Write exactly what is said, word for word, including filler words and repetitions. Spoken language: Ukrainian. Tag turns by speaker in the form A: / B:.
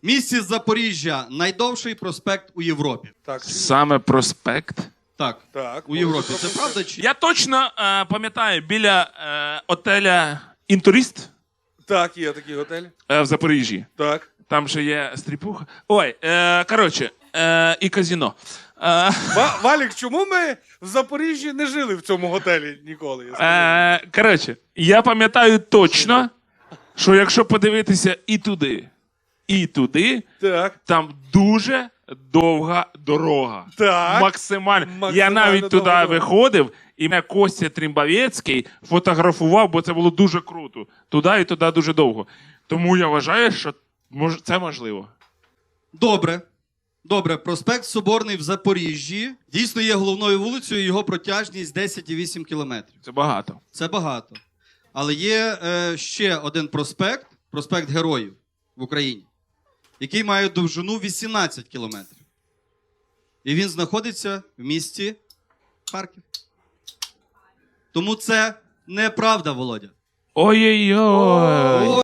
A: Місті Запоріжжя – найдовший проспект у Європі.
B: Так,
C: Саме проспект.
A: Так,
B: так.
A: у Європі. Це правда чи?
C: Я точно е, пам'ятаю, біля е, отеля «Інтурист»
B: Так, є такий готель.
C: е, в Запоріжжі.
B: Так.
C: Там ще є стріпуха. Ой, е, коротше, е, і казино. Е,
B: Ва- Валік, чому ми в Запоріжжі не жили в цьому готелі ніколи? Я скажу?
C: е, коротше, я пам'ятаю точно, що якщо подивитися і туди, і туди,
B: Так.
C: там дуже довга дорога.
B: Так.
C: Максимально.
B: Максимально
C: Я навіть туди
B: довга дорога.
C: виходив, і мене Костя Трімбавецький фотографував, бо це було дуже круто. Туди і туди дуже довго. Тому я вважаю, що мож... це можливо.
A: Добре. Добре, проспект Соборний в Запоріжжі дійсно є головною вулицею, його протяжність десять цілих вісім кілометрів.
C: Це багато.
A: Це багато. Але є е, ще один проспект, проспект Героїв в Україні, який має довжину вісімнадцять кілометрів. І він знаходиться в місті Харків. Тому це неправда, Володя.
C: Ой-ой-ой.